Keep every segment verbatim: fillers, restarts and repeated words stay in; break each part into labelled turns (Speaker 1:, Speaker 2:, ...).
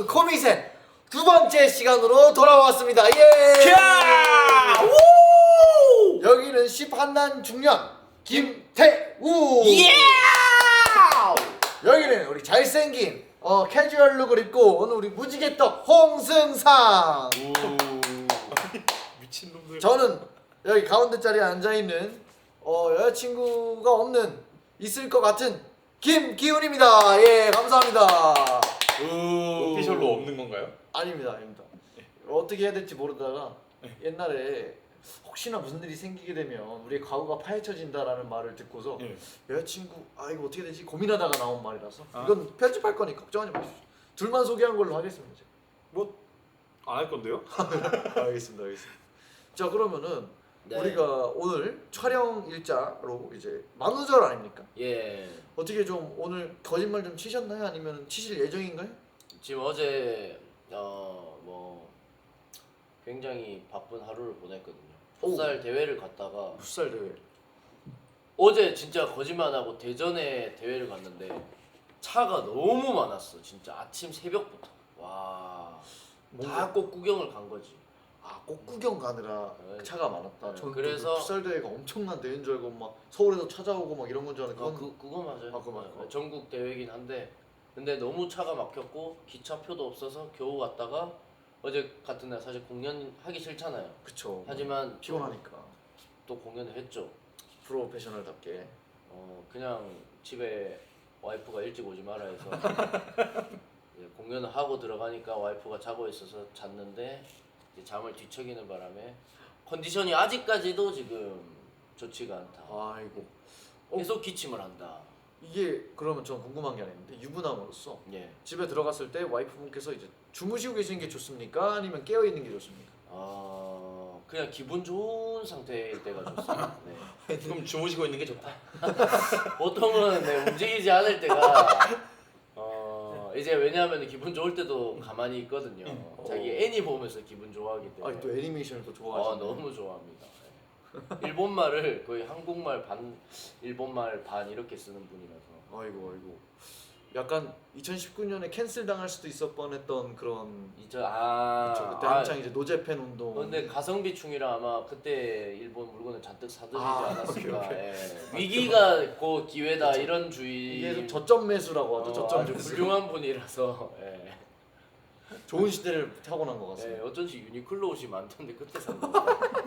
Speaker 1: 코미센 두 번째 시간으로 돌아왔습니다. 예!
Speaker 2: 우!
Speaker 1: 여기는 십한난 중년 김태우.
Speaker 2: 예!
Speaker 1: 여기는 우리 잘생긴 어 캐주얼 룩을 입고 오늘 우리 무지개떡 홍승상.
Speaker 2: 미친놈들.
Speaker 1: 저는 여기 가운데 자리에 앉아 있는 어 여자친구가 없는 있을 것 같은 김기훈입니다. 예, 감사합니다.
Speaker 2: 오피셜로 없는 건가요?
Speaker 1: 아닙니다, 아닙니다. 어떻게 해야 될지 모르다가 옛날에 혹시나 무슨 일이 생기게 되면 우리의 과거가 파헤쳐진다라는 말을 듣고서
Speaker 2: 예.
Speaker 1: 여자친구 아 이거 어떻게 되지 고민하다가 나온 말이라서
Speaker 2: 아.
Speaker 1: 이건 편집할 거니까 걱정하지 마십시오. 둘만 소개한 걸로 하겠습니다. 제가.
Speaker 2: 뭐 안 할 건데요?
Speaker 1: 알겠습니다, 알겠습니다. 자 그러면은
Speaker 3: 네.
Speaker 1: 우리가 오늘 촬영 일자로 이제 만우절 아닙니까?
Speaker 3: 예.
Speaker 1: 어떻게 좀 오늘 거짓말 좀 치셨나요? 아니면 치실 예정인가요?
Speaker 3: 지금 어제 어 뭐 굉장히 바쁜 하루를 보냈거든요.
Speaker 1: 오.
Speaker 3: 풋살 대회를 갔다가
Speaker 1: 풋살 대회.
Speaker 3: 어제 진짜 거짓말 안 하고 대전에 대회를 갔는데 차가 너무 많았어. 진짜 아침 새벽부터. 와. 다 꼭 구경을 간 거지.
Speaker 1: 아 꽃구경 가느라
Speaker 3: 네.
Speaker 1: 차가 많았다. 저는
Speaker 3: 그래서-
Speaker 1: 또 풋살 대회가 엄청난 대회인 줄 알고 막 서울에서 찾아오고 막 이런 건 줄 알았는데
Speaker 3: 어,
Speaker 1: 그건
Speaker 3: 그 그거 맞아요.
Speaker 1: 아, 그거 맞고.
Speaker 3: 네, 전국 대회긴 한데 근데 너무 차가 막혔고 기차표도 없어서 겨우 왔다가 어제 같은 날 사실 공연 하기 싫잖아요.
Speaker 1: 그쵸.
Speaker 3: 하지만
Speaker 1: 피곤하니까
Speaker 3: 또 공연을 했죠.
Speaker 1: 프로페셔널답게.
Speaker 3: 어 그냥 집에 와이프가 일찍 오지 마라 해서 이제 공연을 하고 들어가니까 와이프가 자고 있어서 잤는데 이제 잠을 뒤척이는 바람에 컨디션이 아직까지도 지금 좋지가 않다.
Speaker 1: 아이고. 어,
Speaker 3: 계속 기침을 한다.
Speaker 1: 이게 그러면 전 궁금한 게 하나 있는데 유부남으로서
Speaker 3: 예.
Speaker 1: 집에 들어갔을 때 와이프분께서 이제 주무시고 계시는 게 좋습니까? 아니면 깨어 있는 게 좋습니까?
Speaker 3: 어 그냥 기분 좋은 상태일 때가 좋습니다. 네.
Speaker 2: 그럼 주무시고 있는 게 좋다.
Speaker 3: 보통은 네, 움직이지 않을 때가 어 이제 왜냐하면 기분 좋을 때도 가만히 있거든요.
Speaker 1: 음.
Speaker 3: 자기
Speaker 1: 어.
Speaker 3: 애니 보면서 기분 좋아하기 때문에.
Speaker 1: 아니 또 애니메이션을 또
Speaker 3: 아
Speaker 1: 좋아하시네.
Speaker 3: 너무 좋아합니다. 네. 일본말을 거의 한국말 반, 일본말 반 이렇게 쓰는 분이라서.
Speaker 1: 아이고 아이고. 약간 이천십구 년에 캔슬 당할 수도 있을 뻔했던 그런.
Speaker 3: 이제 아,
Speaker 1: 그쵸, 그때
Speaker 3: 아,
Speaker 1: 한창 이제 노제팬 운동.
Speaker 3: 근데 가성비충이라 아마 그때 일본 물건을 잔뜩 사드리지
Speaker 1: 아,
Speaker 3: 않았을까.
Speaker 1: 오케이, 오케이.
Speaker 3: 예. 위기가 곧 기회다
Speaker 1: 그쵸.
Speaker 3: 이런 주의.
Speaker 1: 이게 좀 저점 매수라고 하죠.
Speaker 3: 어,
Speaker 1: 저점
Speaker 3: 아주
Speaker 1: 매수.
Speaker 3: 훌륭한 분이라서. 예.
Speaker 1: 좋은 시대를 타고난 것
Speaker 3: 예,
Speaker 1: 같습니다.
Speaker 3: 어쩐지 유니클로 옷이 많던데 그때 산 거.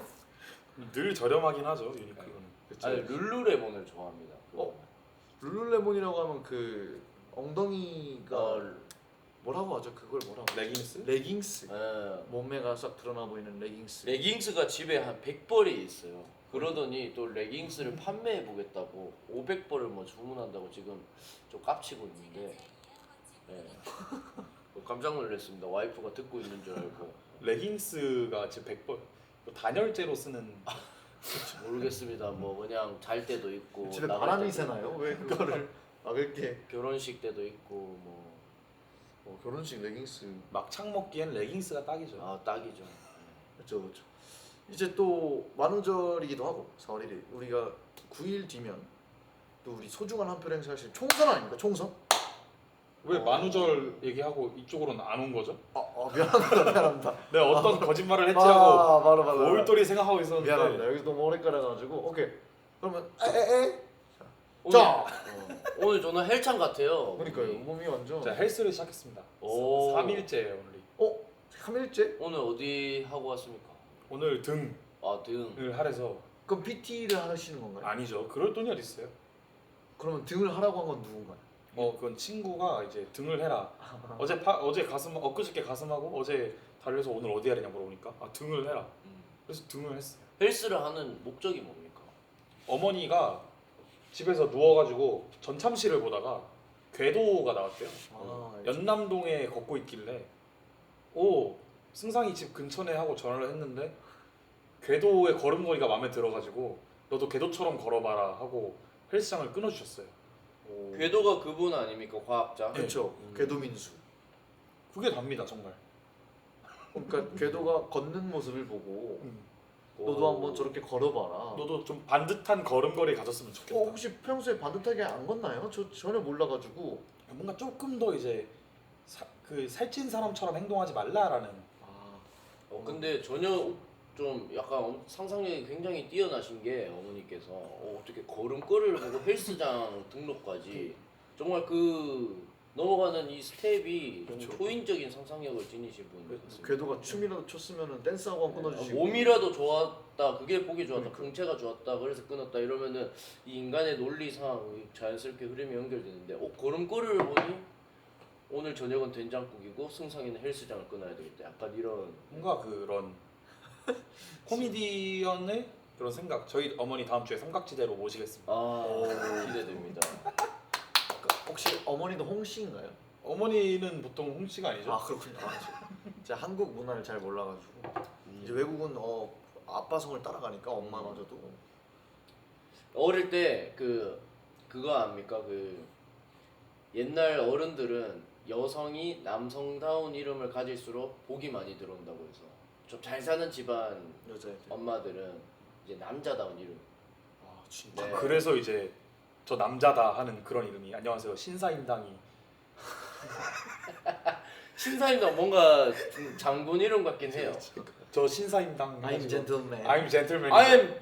Speaker 2: 늘 저렴하긴 하죠 유니클로는.
Speaker 1: 그쵸?
Speaker 3: 아니 룰루레몬을 좋아합니다.
Speaker 1: 어? 룰루레몬이라고 하면 그 엉덩이가
Speaker 3: 어,
Speaker 1: 뭐라고 하죠? 그걸 뭐라고 하죠?
Speaker 2: 레깅스?
Speaker 1: 레깅스.
Speaker 3: 예.
Speaker 1: 몸매가 싹 드러나 보이는 레깅스.
Speaker 3: 레깅스가 집에 한 백 벌이 있어요. 그러더니 또 레깅스를 판매해 보겠다고 오백 벌을 뭐 주문한다고 지금 좀 깝치고 있는데 예. 깜짝 놀랐습니다. 와이프가 듣고 있는 줄 알고.
Speaker 2: 레깅스가 지금 백 벌. 뭐 단열재로 쓰는.
Speaker 3: 모르겠습니다. 뭐 그냥 잘 때도 있고
Speaker 1: 집에
Speaker 3: 나갈
Speaker 1: 바람이
Speaker 3: 때도
Speaker 1: 새나요? 왜 그거를 막을 게?
Speaker 3: 있고, 결혼식 때도 있고 뭐
Speaker 1: 어, 결혼식 레깅스.
Speaker 2: 막창 먹기엔 레깅스가 딱이죠.
Speaker 3: 아 딱이죠.
Speaker 1: 그렇죠, 그렇죠. 이제 또 만우절이기도 하고 사월 일일 우리가 구 일 뒤면 또 우리 소중한 한 표 행사하실 총선 아닙니까? 총선?
Speaker 2: 왜
Speaker 1: 어.
Speaker 2: 만우절 얘기하고 이쪽으로는 안 온 거죠?
Speaker 1: 아, 아 미안합니다, 미안합니다.
Speaker 2: 내가 어떤 거짓말을 했지 하고
Speaker 1: 아, 바로 바로.
Speaker 2: 올돌이 생각하고 있었는데.
Speaker 1: 미안합니다. 여기서 너무 오래 깔아가지고 오케이. 그러면 에에에.
Speaker 3: 오늘,
Speaker 1: 자.
Speaker 3: 어, 오늘 저는 헬창 같아요.
Speaker 1: 그러니까요.
Speaker 3: 우리.
Speaker 1: 몸이 완전.
Speaker 2: 자 헬스를 시작했습니다.
Speaker 3: 오.
Speaker 2: 삼 일째 오늘.
Speaker 1: 어? 삼 일째?
Speaker 3: 오늘 어디 하고 왔습니까?
Speaker 2: 오늘 등을
Speaker 3: 아 등.
Speaker 2: 하래서.
Speaker 1: 그럼 피티를 하시는 건가요?
Speaker 2: 아니죠. 그럴 돈이 어디 있어요?
Speaker 1: 그러면 등을 하라고 한 건 누군가요?
Speaker 2: 어 그건 친구가 이제 등을 해라. 어제 파, 어제 가슴 엊그저께 가슴하고 어제 달려서 오늘 어디 하느냐 물어보니까 아 등을 해라.
Speaker 3: 음.
Speaker 2: 그래서 등을 했어요.
Speaker 3: 헬스를 하는 목적이 뭡니까?
Speaker 2: 어머니가 집에서 누워가지고 전참시를 보다가 궤도가 나왔대요.
Speaker 1: 아,
Speaker 2: 연남동에 걷고 있길래 오 승상이 집 근처네 하고 전화를 했는데 궤도의 걸음걸이가 마음에 들어가지고 너도 궤도처럼 걸어봐라 하고 헬스장을 끊어주셨어요. 오.
Speaker 3: 궤도가 그분 아닙니까? 과학자.
Speaker 1: 그렇죠.
Speaker 3: 음.
Speaker 1: 궤도민수.
Speaker 2: 그게 답니다 정말.
Speaker 1: 그러니까 궤도가 걷는 모습을 보고
Speaker 2: 음.
Speaker 1: 너도 한번 저렇게 걸어봐라.
Speaker 2: 너도 좀 반듯한 걸음걸이 가졌으면 좋겠다.
Speaker 1: 어, 혹시 평소에 반듯하게 안 걷나요? 저 전혀 몰라가지고.
Speaker 2: 뭔가 조금 더 이제 사, 그 살찐 사람처럼 행동하지 말라라는.
Speaker 1: 아,
Speaker 3: 어, 근데 전혀 좀 약간 엄- 상상력이 굉장히 뛰어나신 게 어머니께서 어, 어떻게 걸음걸이를 보고 헬스장 등록까지 정말 그 넘어가는 이 스텝이 좀
Speaker 1: 그렇죠.
Speaker 3: 초인적인 상상력을 지니신 분 같습니다.
Speaker 1: 궤도가 춤이라도 췄으면은 댄스하고 한 끊어주시고.
Speaker 3: 몸이라도 좋았다, 그게 보기 좋았다,
Speaker 1: 그러니까.
Speaker 3: 풍채가 좋았다, 그래서 끊었다 이러면은 이 인간의 논리상 자연스럽게 흐름이 연결되는데 어, 걸음걸이를 보니 오늘 저녁은 된장국이고 승상이는 헬스장을 끊어야 되겠다. 약간 이런
Speaker 2: 뭔가 그런 코미디언의 그런 생각. 저희 어머니 다음 주에 삼각지대로 모시겠습니다.
Speaker 3: 아
Speaker 1: 오.
Speaker 3: 기대됩니다.
Speaker 1: 혹시 어머니도 홍씨인가요?
Speaker 2: 어머니는 보통 홍씨가 아니죠?
Speaker 1: 아 그렇군요. 아, 저- 제가 한국 문화를 잘 몰라가지고
Speaker 3: 음.
Speaker 1: 이제 외국은 어 아빠 성을 따라가니까 엄마마저도
Speaker 3: 어릴 때 그 그거 압니까? 그 옛날 어른들은 여성이 남성다운 이름을 가질수록 복이 많이 들어온다고 해서 좀 잘 사는 집안
Speaker 1: 여자애들.
Speaker 3: 엄마들은 이제 남자다운 이름.
Speaker 1: 아 진짜.
Speaker 3: 네.
Speaker 2: 그래서 이제 저 남자다 하는 그런 이름이 안녕하세요 신사임당이.
Speaker 3: 신사임당 뭔가 좀 장군 이름 같긴 해요.
Speaker 2: 저 신사임당.
Speaker 1: I'm gentleman.
Speaker 2: I'm gentleman.
Speaker 3: I'm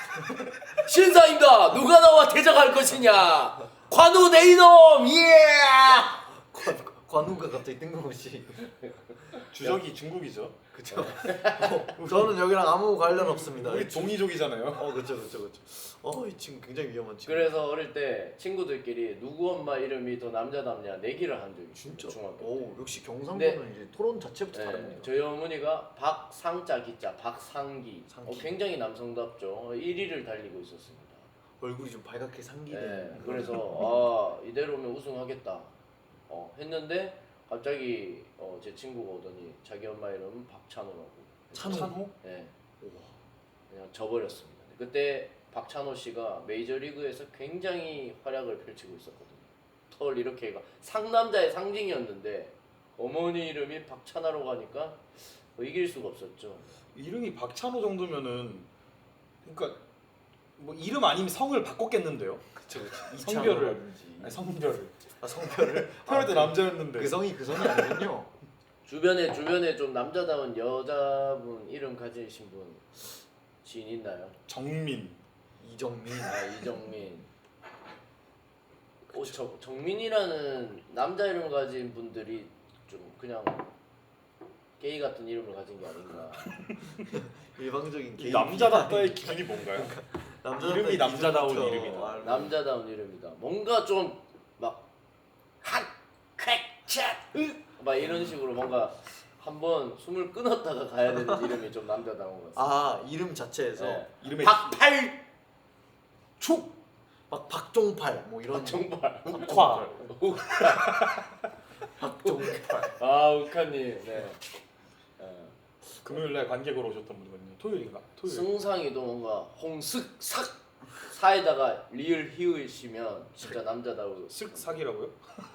Speaker 3: 신사임당 누가 나와 대적할 것이냐? 관우 내 이놈 예!
Speaker 1: 관, 관우가 갑자기 뜬금없이.
Speaker 2: 주적이 중국이죠.
Speaker 1: 그쵸. 어, 저는 여기랑 아무 관련 없습니다.
Speaker 2: 우리 동이족이잖아요.
Speaker 1: 어 그쵸 그쵸 그쵸. 어이 친구 굉장히 위험한 친구.
Speaker 3: 그래서 어릴 때 친구들끼리 누구 엄마 이름이 더 남자답냐 내기를 한 적이 있어요.
Speaker 1: 진짜.
Speaker 3: 중학교 때.
Speaker 1: 오 역시 경상도는
Speaker 3: 네.
Speaker 1: 이제 토론 자체부터
Speaker 3: 네,
Speaker 1: 다릅니다.
Speaker 3: 저희 어머니가 박상자 기자 박상기
Speaker 1: 상기.
Speaker 3: 어, 굉장히 남성답죠. 일 위를 달리고 있었습니다.
Speaker 1: 얼굴이 좀 발갛게 상기된.
Speaker 3: 네, 그래서 아 이대로면 우승하겠다 어, 했는데 갑자기 어, 제 친구가 오더니 자기 엄마 이름은 박찬호라고.
Speaker 1: 찬호.
Speaker 2: 찬호?
Speaker 3: 네,
Speaker 1: 우와.
Speaker 3: 그냥 져버렸습니다. 그때 박찬호 씨가 메이저리그에서 굉장히 활약을 펼치고 있었거든요. 털 이렇게 가 상남자의 상징이었는데 어머니 이름이 박찬하로 가니까 뭐 이길 수가 없었죠.
Speaker 2: 이름이 박찬호 정도면은 그러니까 뭐 이름 아니면 성을 바꿨겠는데요.
Speaker 1: 그쵸 그쵸.
Speaker 2: 성별을.
Speaker 1: 이찬호라든지.
Speaker 2: 아니, 성별을.
Speaker 1: 아 성별을.
Speaker 2: 태어날 때
Speaker 1: 아, 그-
Speaker 2: 남자였는데.
Speaker 1: 그 성이 그 성이 아니군요.
Speaker 3: 주변에 주변에 좀 남자다운 여자분 이름 가지신 분 지인 있나요?
Speaker 2: 정민.
Speaker 1: 이정민.
Speaker 3: 아 이정민. 어, 저, 정민이라는 남자 이름 가진 분들이 좀 그냥 게이 같은 이름을 가진 게 아닌가.
Speaker 1: 일방적인
Speaker 2: 이
Speaker 1: 개인.
Speaker 2: 남자답다의 기준이 뭔가요?
Speaker 1: 남자답다의
Speaker 2: 이름이 남자다운
Speaker 1: 기준부터
Speaker 2: 이름이다.
Speaker 1: 알고.
Speaker 3: 남자다운 이름이다. 뭔가 좀 막 한, 쾌, 차, 으, 막 이런 식으로 뭔가 한번 숨을 끊었다가 가야 되는 이름이 좀 남자다운 것 같습니다.
Speaker 1: 아 이름 자체에서
Speaker 3: 네.
Speaker 2: 이름에
Speaker 3: 박팔
Speaker 1: 축. 막 박종팔 뭐 이런.
Speaker 3: 정말.
Speaker 2: 욱화.
Speaker 1: 박종팔.
Speaker 3: 아 우카님. 네. 어,
Speaker 2: 금요일 날 관객으로 오셨던 분이거든요. 토요일인가? 토요일.
Speaker 3: 승상이도 뭔가 홍슥 삭 사에다가 리을 히읗이면 진짜 남자다워.
Speaker 2: 쓱 사기라고요?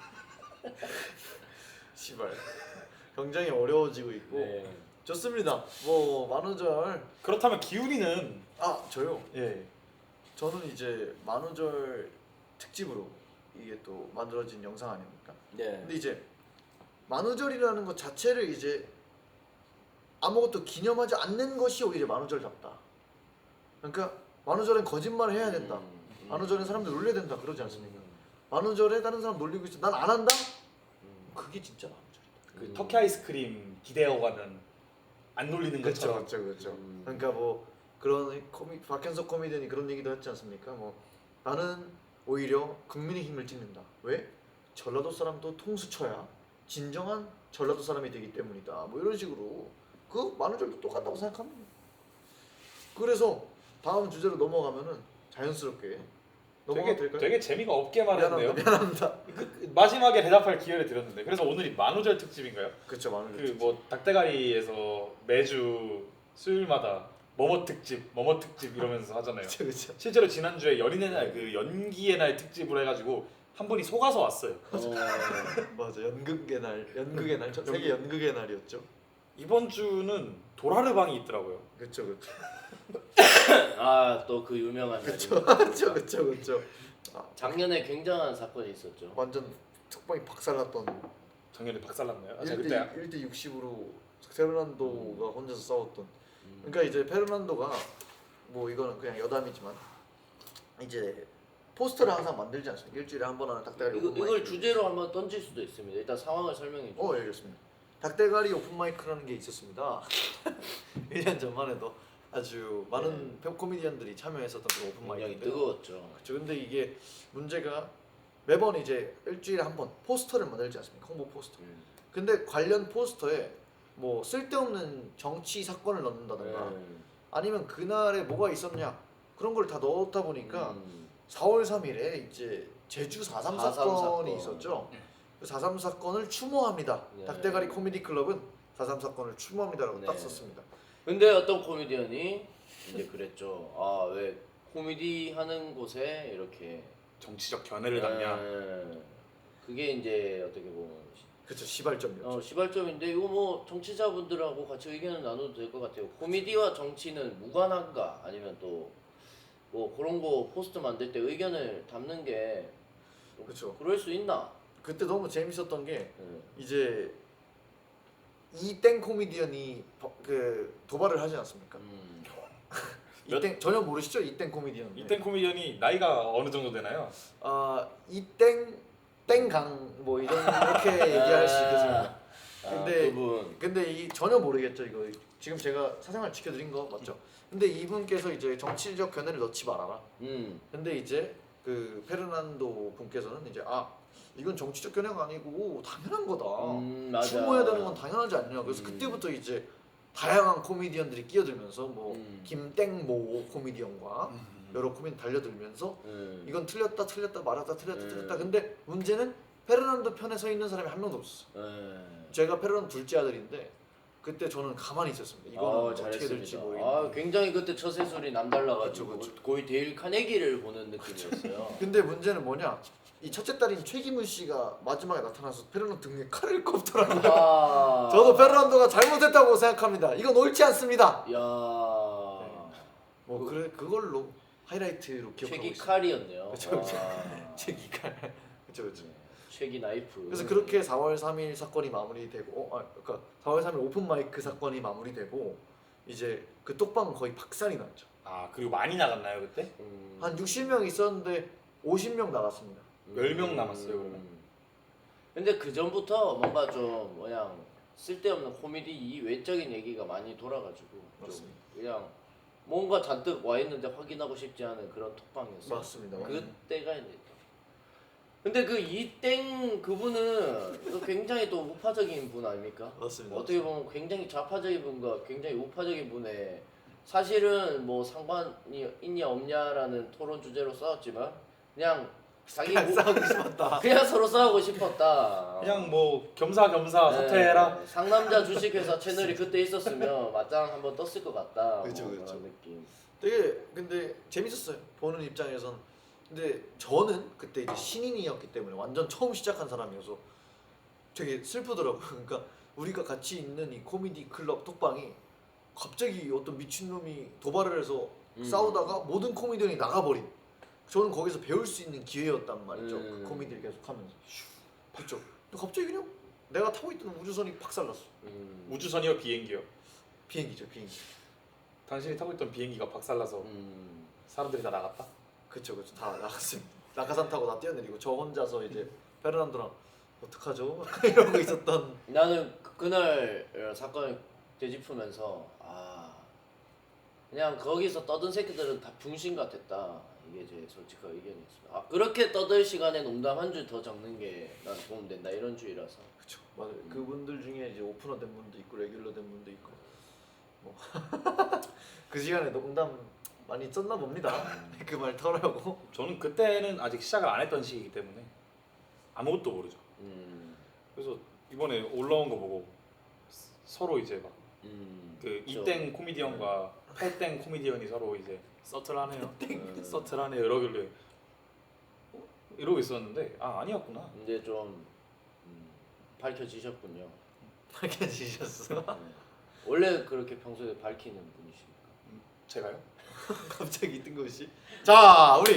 Speaker 1: 시발. 굉장히 어려워지고 있고.
Speaker 3: 네.
Speaker 1: 좋습니다. 뭐 만우절.
Speaker 2: 그렇다면 기훈이는
Speaker 1: 아 저요.
Speaker 2: 예.
Speaker 1: 저는 이제 만우절 특집으로 이게 또 만들어진 영상 아닙니까?
Speaker 3: 네.
Speaker 1: 근데 이제 만우절이라는 것 자체를 이제 아무것도 기념하지 않는 것이 오히려 만우절답다. 그러니까 만우절엔 거짓말을 해야 된다.
Speaker 3: 음, 음.
Speaker 1: 만우절엔 사람들 놀려야 된다. 그러지 않습니까?
Speaker 3: 음,
Speaker 1: 만우절에 다른 사람 놀리고 있어. 난 안 한다?
Speaker 3: 음.
Speaker 1: 그게 진짜 만우절이다.
Speaker 2: 그
Speaker 3: 음.
Speaker 2: 터키 아이스크림 기대어가는 안 놀리는 것처럼.
Speaker 1: 그렇죠, 그렇죠.
Speaker 3: 음.
Speaker 1: 그러니까 뭐 그런 코미 박현석 코미디언이 그런 얘기도 했지 않습니까? 뭐 나는 오히려 국민의힘을 찍는다. 왜? 전라도 사람도 통수 쳐야 진정한 전라도 사람이 되기 때문이다. 뭐 이런 식으로 그 만우절도 똑같다고 생각합니다. 그래서 다음 주제로 넘어가면은 자연스럽게 넘어가도
Speaker 2: 되게
Speaker 1: 될까요?
Speaker 2: 되게 재미가 없게 말했네요.
Speaker 1: 미안합니다. 미안합니다.
Speaker 2: 그, 그 마지막에 대답할 기회를 드렸는데 그래서 오늘이 만우절 특집인가요?
Speaker 1: 그렇죠, 만우절.
Speaker 2: 그 뭐 닭대가리에서 매주 수요일마다 뭐뭐 특집, 뭐뭐 특집 이러면서 하잖아요.
Speaker 1: 그렇죠, 그렇죠.
Speaker 2: 실제로 지난주에 연인의 날 그 연기의 날 특집으로 해가지고 한 분이 속아서 왔어요.
Speaker 3: 어,
Speaker 1: 맞아, 연극의 날, 연극의 날, 전 세계 연극의 날이었죠.
Speaker 2: 이번 주는 도라르방이 있더라고요.
Speaker 1: 그렇죠, 그렇죠.
Speaker 3: 아또 그 유명한
Speaker 1: 그렇죠,
Speaker 3: 날입니다.
Speaker 1: 그렇죠, 그렇죠, 그렇죠. 아,
Speaker 3: 작년에 굉장한 사건이 있었죠.
Speaker 1: 완전 툭방이 박살났던.
Speaker 2: 작년에 박살났나요? 아, 제가
Speaker 1: 일 대
Speaker 2: 그때
Speaker 1: 일 대 육십으로 페르난도가 혼자서 싸웠던.
Speaker 3: 음.
Speaker 1: 그러니까 이제 페르난도가 뭐 이거는 그냥 여담이지만 이제 포스터를 항상 만들지 않습니까? 일주일에 한 번 하는 닭대가리
Speaker 3: 이거,
Speaker 1: 오픈
Speaker 3: 이걸
Speaker 1: 마이크.
Speaker 3: 주제로 한번 던질 수도 있습니다. 일단 상황을 설명해 줘.
Speaker 1: 어, 예, 알겠습니다. 닭대가리 오픈 마이크라는 게 있었습니다. 일 년 전만 해도 아주 많은 네. 코미디언들이 참여했었던 그 오픈
Speaker 3: 굉장히
Speaker 1: 마이크인데요.
Speaker 3: 뜨거웠죠.
Speaker 1: 그렇죠. 근데 이게 문제가 매번 이제 일주일에 한 번 포스터를 만들지 않습니까? 홍보 포스터.
Speaker 3: 음.
Speaker 1: 근데 관련 포스터에 뭐 쓸데없는 정치 사건을 넣는다던가
Speaker 3: 음.
Speaker 1: 아니면 그날에 뭐가 있었냐 그런 걸 다 넣었다 보니까
Speaker 3: 음.
Speaker 1: 사월 삼일에 이제 제주 사삼
Speaker 3: 사삼
Speaker 1: 사건이
Speaker 3: 사건.
Speaker 1: 있었죠. 그 사삼 사건을 추모합니다.
Speaker 3: 네.
Speaker 1: 닭대가리 코미디 클럽은 사삼 사건을 추모합니다라고
Speaker 3: 네.
Speaker 1: 딱 썼습니다.
Speaker 3: 근데 어떤 코미디언이 이제 그랬죠. 아 왜 코미디 하는 곳에 이렇게
Speaker 2: 정치적 견해를 담냐?
Speaker 3: 네. 그게 이제 어떻게 보면
Speaker 1: 그렇죠. 시발점이었죠.
Speaker 3: 어, 시발점인데 이거 뭐 정치자분들하고 같이 의견을 나눠도 될 것 같아요. 코미디와 정치는 무관한가 아니면 또 뭐 그런 거 포스트 만들 때 의견을 담는 게
Speaker 1: 그렇죠.
Speaker 3: 그럴 수 있나?
Speaker 1: 그때 너무 재밌었던 게
Speaker 3: 네.
Speaker 1: 이제 이땡 코미디언이 버- 그 도발을 하지 않습니까?
Speaker 3: 음.
Speaker 1: 이땡 전혀 모르시죠? 이땡 코미디언.
Speaker 2: 이땐 코미디언이 나이가 어느 정도 되나요?
Speaker 1: 아 이땡 땡강 뭐 이런 이렇게 얘기할 수 있겠습니다.
Speaker 3: 아,
Speaker 1: 근데-
Speaker 3: 그분
Speaker 1: 근데 이 전혀 모르겠죠 이거. 지금 제가 사생활 지켜드린 거 맞죠? 근데 이분께서 이제 정치적 견해를 넣지 말아라.
Speaker 3: 음.
Speaker 1: 근데 이제 그 페르난도 분께서는 이제 아 이건 정치적 견해가 아니고 당연한 거다.
Speaker 3: 음, 맞아.
Speaker 1: 추모해야 되는 건 당연하지 않냐. 그래서
Speaker 3: 음.
Speaker 1: 그때부터 이제 다양한 코미디언들이 끼어들면서 뭐
Speaker 3: 음.
Speaker 1: 김땡모 코미디언과 여러 코미디언 달려들면서
Speaker 3: 음.
Speaker 1: 이건 틀렸다 틀렸다 말았다 틀렸다
Speaker 3: 음.
Speaker 1: 틀렸다. 근데 문제는 페르난도 편에 서 있는 사람이 한 명도 없었어.
Speaker 3: 음.
Speaker 1: 제가 페르난도 둘째 아들인데 그때 저는 가만히 있었습니다. 이거는
Speaker 3: 아,
Speaker 1: 어떻게 될지
Speaker 3: 잘했습니다.
Speaker 1: 모르겠는데.
Speaker 3: 아, 굉장히 그때 처세술이 남달라가지고
Speaker 1: 그쵸, 그쵸.
Speaker 3: 거의 데일 카네기를 보는 느낌이었어요.
Speaker 1: 근데 문제는 뭐냐? 이 첫째 딸인 최기문 씨가 마지막에 나타나서 페르난도 등에 칼을 꼽더라고요.
Speaker 3: 아,
Speaker 1: 저도 페르난도가 잘못했다고 생각합니다. 이건 옳지 않습니다.
Speaker 3: 야,
Speaker 1: 뭐 그래 그걸로 하이라이트로 기억하고
Speaker 3: 최기
Speaker 1: 있습니다.
Speaker 3: 칼이었네요.
Speaker 1: 그쵸, 그쵸.
Speaker 3: 와.
Speaker 1: 최기 칼. 그렇죠, 그렇죠.
Speaker 3: 최기 나이프.
Speaker 1: 그래서 그렇게 사월 삼일 사건이 마무리되고, 어, 아, 그러니까 사월 삼일 오픈 마이크 사건이 마무리되고 이제 그 똑방은 거의 박살이 났죠.
Speaker 2: 아 그리고 많이 나갔나요 그때?
Speaker 3: 음.
Speaker 1: 한 육십 명 있었는데 오십 명 나갔습니다.
Speaker 2: 열 명 남았어요, 그러면.
Speaker 3: 근데 그 전부터 뭔가 좀 그냥 쓸데없는 코미디 이 외적인 얘기가 많이 돌아가지고 좀
Speaker 1: 맞습니다.
Speaker 3: 그냥 뭔가 잔뜩 와 있는데 확인하고 싶지 않은 그런 톡방이었어요.
Speaker 1: 맞습니다.
Speaker 3: 그때가 이제 근데 그 이땡 그분은 또 굉장히 또 우파적인 분 아닙니까?
Speaker 1: 맞습니다.
Speaker 3: 어떻게 보면 굉장히 좌파적인 분과 굉장히 우파적인 분의 사실은 뭐 상관이 있냐 없냐라는 토론 주제로 싸웠지만 그냥 자기
Speaker 1: 그냥
Speaker 3: 뭐-
Speaker 1: 싸우고 싶었다.
Speaker 3: 그냥 서로 싸우고 싶었다.
Speaker 2: 그냥 뭐 겸사겸사
Speaker 3: 네,
Speaker 2: 사퇴해라.
Speaker 3: 상남자 주식회사 채널이 그때 있었으면 맞짱 한번 떴을 것 같다.
Speaker 1: 그쵸,
Speaker 3: 뭐
Speaker 1: 그쵸.
Speaker 3: 그런 느낌.
Speaker 1: 되게 근데 재밌었어요. 보는 입장에선. 근데 저는 그때 이제 신인이었기 때문에 완전 처음 시작한 사람이어서 되게 슬프더라고요. 그러니까 우리가 같이 있는 이 코미디 클럽 톡방이 갑자기 어떤 미친놈이 도발을 해서
Speaker 3: 음.
Speaker 1: 싸우다가 모든 코미디언이 나가버린. 저는 거기서 배울 수 있는 기회였단 말이죠.
Speaker 3: 음.
Speaker 1: 그 코미디를 계속하면서. 그렇죠. 근데 갑자기 그냥 내가 타고 있던 우주선이 박살났어.
Speaker 3: 음.
Speaker 2: 우주선이요 비행기요?
Speaker 1: 비행기죠, 비행기.
Speaker 2: 당신이 타고 있던 비행기가 박살나서
Speaker 3: 음.
Speaker 2: 사람들이 다 나갔다?
Speaker 1: 그쵸, 그쵸. 다 나갔습니다. 낙하산 타고 다 뛰어내리고 저 혼자서 이제 페르난도랑 어떡하죠? 이러고 있었던.
Speaker 3: 나는 그- 그날 어, 사건을 되짚으면서 아 그냥 거기서 떠든 새끼들은 다 병신 같았다. 이게 제 솔직한 의견이었습니다. 아 그렇게 떠들 시간에 농담 한 줄 더 적는 게 난 도움된다 이런 주의라서.
Speaker 1: 그쵸, 맞아요. 그분들 중에 이제 오프너 된 분도 있고 레귤러 된 분도 있고 뭐 그 시간에 농담 많이 썼나 봅니다. 그 말 털으려고.
Speaker 2: 저는 그때는 아직 시작을 안 했던 시기이기 때문에 아무것도 모르죠.
Speaker 3: 음.
Speaker 2: 그래서 이번에 올라온 거 보고 스- 서로 이제 막 그
Speaker 3: 음. 그쵸.
Speaker 2: 이땡 코미디언과 팔땡 코미디언이 서로 이제 서틀하네요.
Speaker 3: 음.
Speaker 2: 서틀하네요. 이러길래 어? 이러고 있었는데 아 아니었구나.
Speaker 3: 근데 좀 음, 밝혀지셨군요.
Speaker 1: 밝혀지셨어.
Speaker 3: 네. 원래 그렇게 평소에 밝히는 분이십니까?
Speaker 2: 제가요?
Speaker 1: 갑자기 뜬금없이. 자, 우리